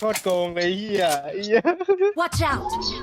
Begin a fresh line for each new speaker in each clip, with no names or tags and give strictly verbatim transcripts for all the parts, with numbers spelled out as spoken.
ตรโกงเลยเฮียเฮีย
Watch out!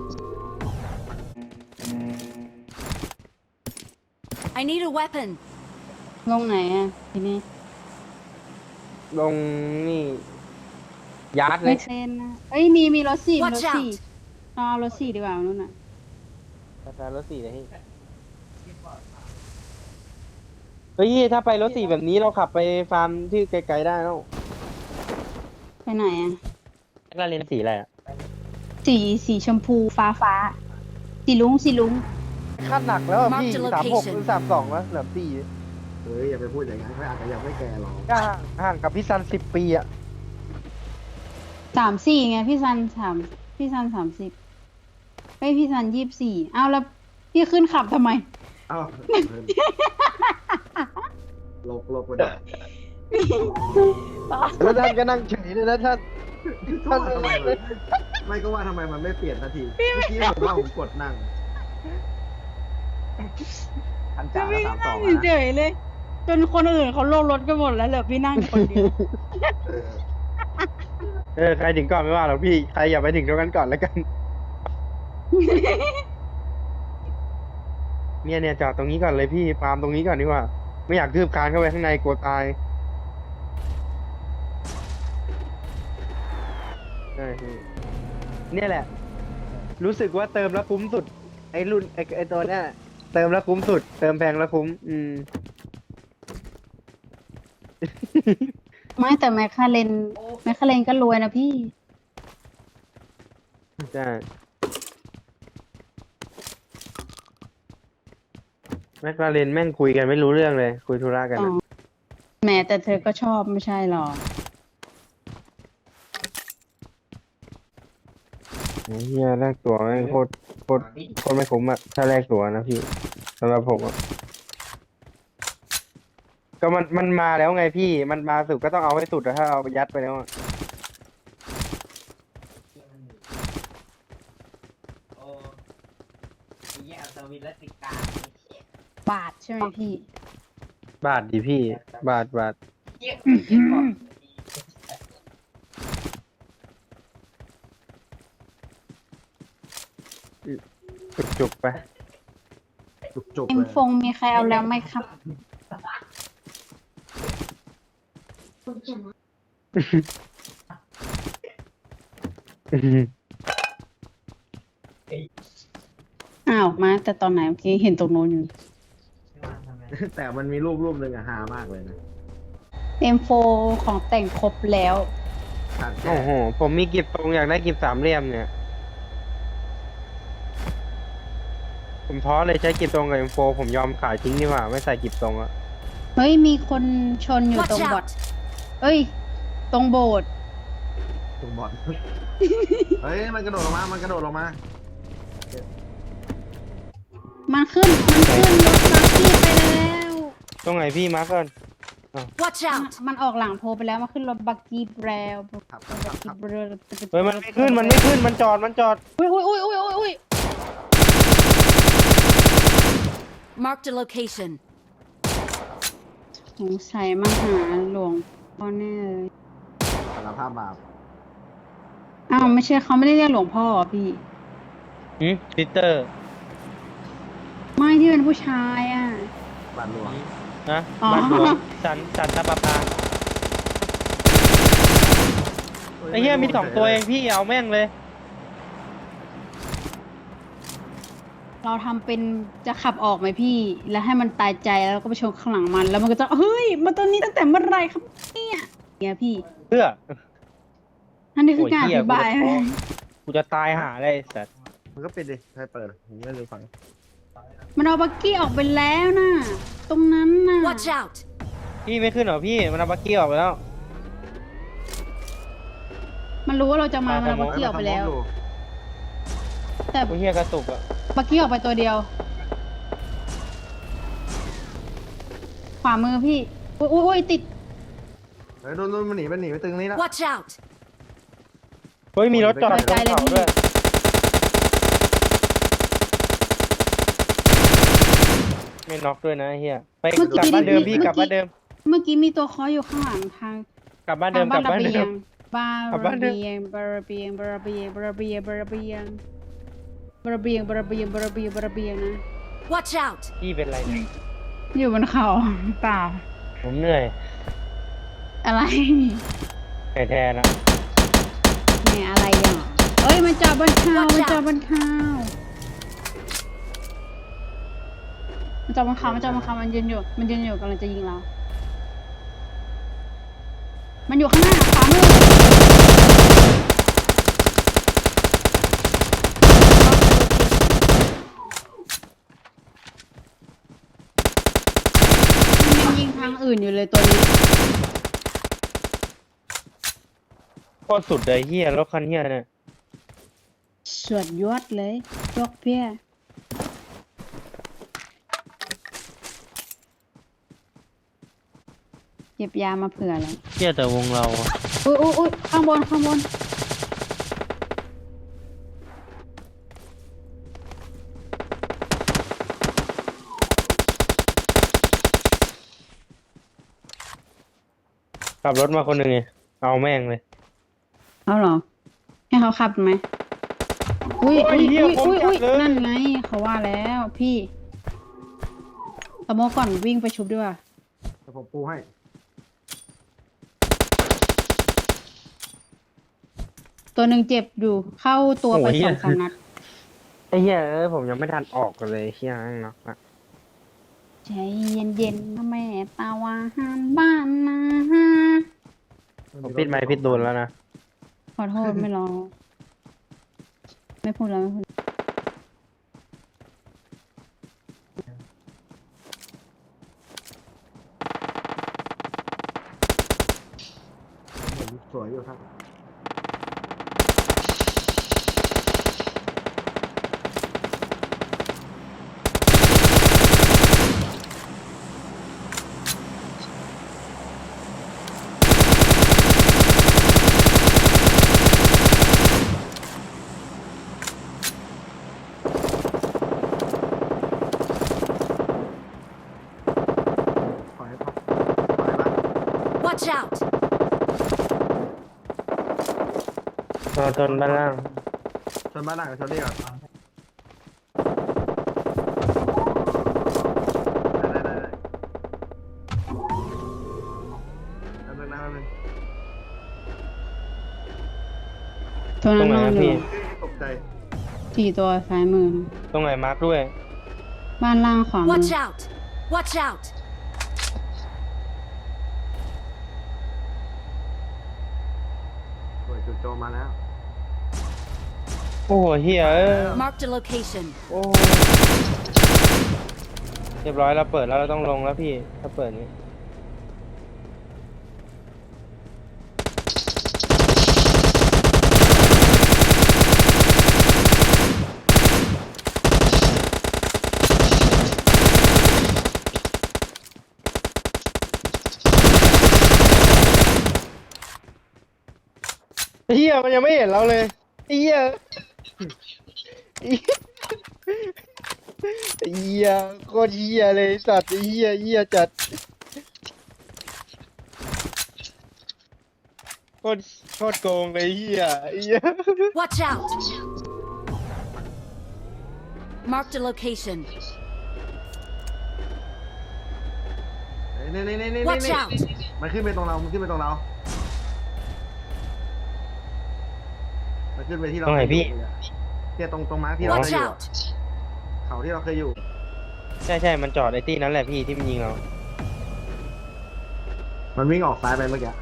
I need a weapon.
ลงไหนอ่ะทีนี้
ลงนี่ยาร์ดเล
ไม่
ย
เทรนนะเอ้ยมีมีรถสี่มีร
Watch
ถสี่
out!
เอารถสี่ดีกว่านู่นน่ะ
ราคารถสี่เลยพี่เฮ้ยถ้าไปรถสี่แบบนี้เราขับไปฟาร์มที่ไกลๆได้แล้ว
ไปไหนอ่ะ
แล้วเรียนสีอะไรอ่ะ
สีสีชมพูฟ้าฟ้าสีลุ้งสีลุ้ง
คาดหนักแล้วอะพี่
Mark the
สามหก
location
หรือสามสองแล้วเหลือสี่
เฮ้ยอย่าไปพูดอย่างนั้นเขาอาจจะยังไม่แก่หรอก
ก็ห่างห่างกับพี่ซันสิบปีอ่ะ
สามสี่ไงพี่ซันสามพี่ซันสามสิบเฮ้ยพี่ซันยี่สิบสี่เอาแล้วพี่ขึ้นขับทำไม
เอ้าลบลบไปหน่อย
แล้วท่านก็นั่งเฉยเลยนะท่าน
ก็ว่าทำไมมันไม่ก็ว่าทำไมมันไม่เปลี่ยนสักทีเมื่อกี้ผมว่าผมกดนั่งพันจ่า
พี่
ก็สามส
นั่
อง
ง
นะ
เฉยๆเลย จนคนอื่นเขาลงรถกันหมดแล้วเหลือพี่นั่งอยู่คนเดียว
เออ
เออใครถึงก่อนไม่ว่าหรอกพี่ใครอย่าไปถึงตรงนั้นก่อนแล้วกัน เนี่ยเนี่ยจอดตรงนี้ก่อนเลยพี่ฟาร์มตรงนี้ก่อนดีกว่า ไม่อยากคืบคลานเข้าไปข้างในกลัวตายใช่พี่เนี่ยแหละ รู้สึกว่าเติมแล้วคุ้มสุด ไอ้รุ่นไอ้ไอ้ตัวเนี้ยเติมแล้วคุ้มสุด เติมแพงแล้วคุ้ม อืม
ไม่แต่แมคคาเรนแมคคาเรนก็รวยนะพี่
ใช่แมคลาเรนแม่งคุยกันไม่รู้เรื่องเลย คุยธุระกัน
อ๋อ
อะ
แหมแต่เธอก็ชอบไม่ใช่หรอ
ไอ้เฮียแลกตั๋วแม่งโคตรโคตรโคตรไม่คุ้มอะถ้าแลกตั๋วนะพี่สำหรับผมอะก็มันมันมาแล้วไงพี่ มันมาสุดก็ต้องเอาให้สุดอะถ้าเอายัดไปแล้วอะ
บาทใช่ไหมพี่
บาทดิพี่ บาทบาทจุกจุกๆไป
จุกจุก
เอ็
เล
ม
ย
ฟงมีใครเอาแล้วไหมครับ อ้าวมาแต่ตอนไหนเมื่อกี้เห็นตรงโน้นอยู่
แต่มันมีรูปรูปหนึ่งอะฮามากเลยนะ
เอ็มโฟของแต่งครบแล้ว
ขาดแค่
โอ้โห ผมมีกิบตรงอยากได้กิบสามเหลี่ยมเนี่ย ผมท้อเลยใช้กิบตรงกับเอ็มโฟผมยอมขายทิ้งดีกว่า ไม่ใส่กิบตรงอะ
เฮ้ย มีคนชนอยู่ตร
Watch
งบอด
out!
เอ้ย ตรงโบสถ์
ตรงบอลเฮ้ยมันกระโดดลงมา มันกระโดดลงมา
มันขึ้น มันขึ้นรถบักกี้ไปแล้ว
ตรงไหนพี่มาร์กก่อน
Watch out!
มันออกหลังโพไปแล้วมันขึ้นรถบักกี้แล้ว
ครับครับครับครับ
เฮ้ยมันไม่ขึ้น มันไม่ขึ้น มันจอด มันจอด
อุ้ยอุ้ยอุ้ยอุ้ยอุ้ยอุ้ย
Marked a location.
สงสัยมาหาหลวงพ่อแน่เลย
สารภาพบาป
อ้าวไม่ใช่เขาไม่ได้เรียกหลวงพ่อเหรอพี่
หืมซิสเตอร์
ไม่ที่เป็นผู้ชายอ่ะ
บาปหลวง
นะ
อ๋อ
บ้านหลวงสันสันตะปาปาไอ้เหี้ยมีสองตัวเองพี่เอาแม่งเลย
เราทำเป็นจะขับออกไหมพี่ แล้วให้มันตายใจแล้วเราก็ไปชนข้างหลังมัน แล้วมันก็จะเฮ้ยมาตัวนี้ตั้งแต่เมื่อไหรครับเนี่ยเนี่ยพี่
เพื่อ
อันนี้คือการอ
โอ้ยเหี้ย
ธิบาย
กูจะท้อ กูจะตายหาเลยไอ้สัตว์
มันก็ปิดดิใครเปิดผมไม่รู้ฟัง
มันเอาบักกี้ออกไปแล้วนะตรงนั้นน่ะ
Watch out!
พี่ไม่ขึ้นเหรอพี่ มันเอาบักกี้ออกไปแล้ว
มันรู้ว่าเราจะมา
ไป
มันเอาบักกี้ออกไปแล้ว แต่
โอ้ยเหี้ยกระตุกอ่ะ
บักกี้ออกไปตัวเดียว ขวามือพี่อุ้ยอุ้ยอุ้ยติด
เฮ้ยโดนโดนมันหนีมันหนีไปตึงนี้แล้ว
Watch out!
เฮ้ยมีรถจอด
ไป
อยู่ต
ไกล
รง
เลย
เขา
พี่
ด้วย ไม่น็อกด้วยนะไอ้เฮียไป
เมื่อก
ลับ
กี้
บ้านเดิม
พี่
พี่กลับบ้านเดิม
เมื่อกี้มีตัวเคออยู่ข้างหลังทาง
กลับบ้านเดิม
ทาง
กลับบ้าน
ระ
เดิ
เบีย
ม
งบา
เอา
ระ
บ้านเถอะ
เบียงบาระเบียงบาระเบียงบาระเบียงบาระเบียงบาระเบียงบาระเบียงบาระเบียงบาระเบียงนะ
Watch out!
พี่เป็นไรเนี่ย
อยู่บนเขาเปล่า
ผมเหนื่อย
อะไร
เหนื่อยแทนนะ
เนี่ยอะไรอ่ะเอ้ยมันจอดบนเขามันจอดบนเขามันจอดบนเขามันจอดบนเขามันยืนอยู่มันยืนอยู่กำลังจะยิงเรา มันอยู่ข้างหน้าขวามือมันยังยิงทางอื่นอยู่เลยตัวนี้
โคตรสุดเลยเฮียรถคันเฮียเนี่ย
สวดยอดเลยยกเพี้ยเก็บยามาเผื่อเลย
เฮียแต่วงเราอะ
อุ้ยอุ้ยอุ้ยข้างบนข้างบน
ขับรถมาคนหนึ่งไงเอาแม่งเลย
เอาเหรอ ให้เขาขับไหมอุ้ย
โอ้
อุ้
ย
ย
เหี้ย
อุ้ยอุ้ย
ผมจับเลย
นั่นไงเขาว่าแล้วพี่ตะโมก่อนวิ่งไปชุบด้วย
เดี๋ยวผมปูให้
ตัวหนึ่งเจ็บอยู่เข้าตัวไป
โอ้ยเหี้
ส
ย
องสามนัด
ไอ้เฮียเอ้ยผมยังไม่ทันออกกันเลยเฮียนั่งเนาะอะ
ใจเย็นๆนะแม่ตาวาหานบ้านนะฮะ
ผมปิดไมค์ปิดโดนแล้วนะ
ขอโทษไม่รอไม่พูดแล้วไม่พูด
เห็นสวยอยู่ครับ ขอให้พักขอให้บ้าน
Watch out!
นอนทนบ้านล่าง
ชนบ้านหลังกับชนนี่ก่อนได้ได้ได้ได้แป๊บนึงนะแป๊บนึง
ตัว
ตร
นั้
ง
น
ไหน
นอน
อะ
อ
พี่
ยู่
ตกใจ
สี่ตัวซ้ายมือ
ตรงไหนมาร์คด้วย
บ้านล่างขวามือ
Watch out! Watch out!
สวยจุดโจมมาแล้ว
โอ้โหเฮียเอ้ย
Marked a location.
โอ้เรียบร้อยเราเปิดแล้วเราต้องลงแล้วพี่ถ้าเปิดนี้เฮียมันยังไม่เห็นเราเลยไอ้เฮียไอ้เฮียโคตรเฮียเลยสัตว์ไอ้เฮียเฮียจัดโคตรโคตรโกงเลยเฮียไอ้เฮีย
Watch out! Marked a location.
นี่นี่นี่นี่
Watch
นี่
out!
มันขึ้นไปตรงเรา มันขึ้นไปตรงเรา มันขึ้นไปที่เรา
ตรงไหนพี่
เนี่ยตรงตรงมาร์คที่เราเค
Watch
ยอยู่อะ
out!
เขาที่เราเคยอยู่
ใช่ใช่มันจอดไอ้ตี้นั่นแหละพี่ที่มันยิงเรา
มันวิ่งออกซ้ายไปเมื่อกี้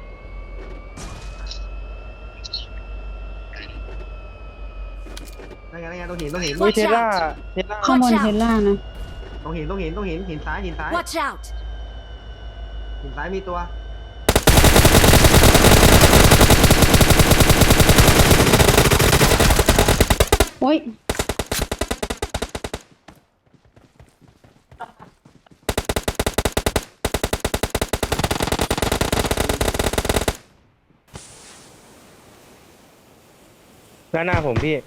นั่นไงนั่นไงตรงหินตรงหิน
อุ้ย
Watch
เทสลา
out
เทสลา
ข้างบน
Watch out
เทสลานะ
ตรงหินตรงหินตรงหินหินซ้ายหินซ้าย
Watch out!
หินซ้ายมีตัว
โอ้ย
ด้านหน้าผมพี่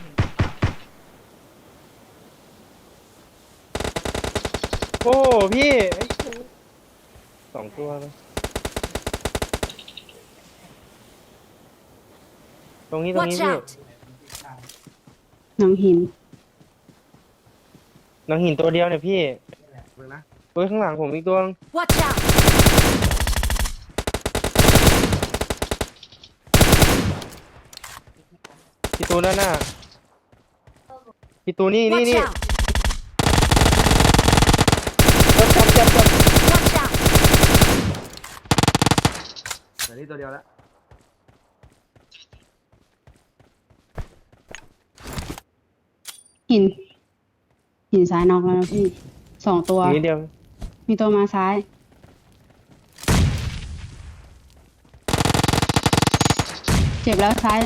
โอ้พี่ไอ้สองตัวเลยตรงนี้ตรงนี้
Watch
พี่
out!
หนังหิน
หนังหินตัวเดียวเนี่ยพี่
เบิ่งนะ
เฮ้ยข้างหลังผมอีกตัวนึง
Watch out!
พี่ตูนด้านหน้าพี่ตูนนี่นี่
Watch
นี่
out!
จับจับจับ
Watch out!
แต่นี่ตัวเดียวแล้ว
หิน หินซ้ายนอกแล้วนะพี่ สองตัว
อีกนิดเดียว
มีตัวมาซ้าย เจ็บแล้วซ้าย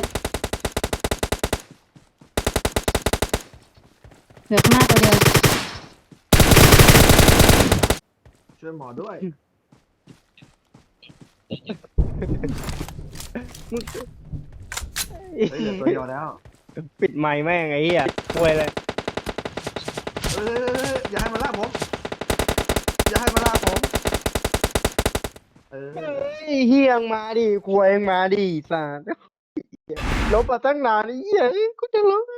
เหลือข้างหน้าตัวเดียว
ช่วยหมอด้วย เฮ้ยเหลือตัวเดียวแล้ว
ปิดไมค์แม่งไอ้เหี้ยป่วยเลย
เอ้ยอย่าให้มันล่าผม อย่าให้มันล่าผม เออ
เฮ้ยเฮียงมาดิควยงมาดิสารลบมาตั้งนานไอ้เหี้ยกูจะร้องไห้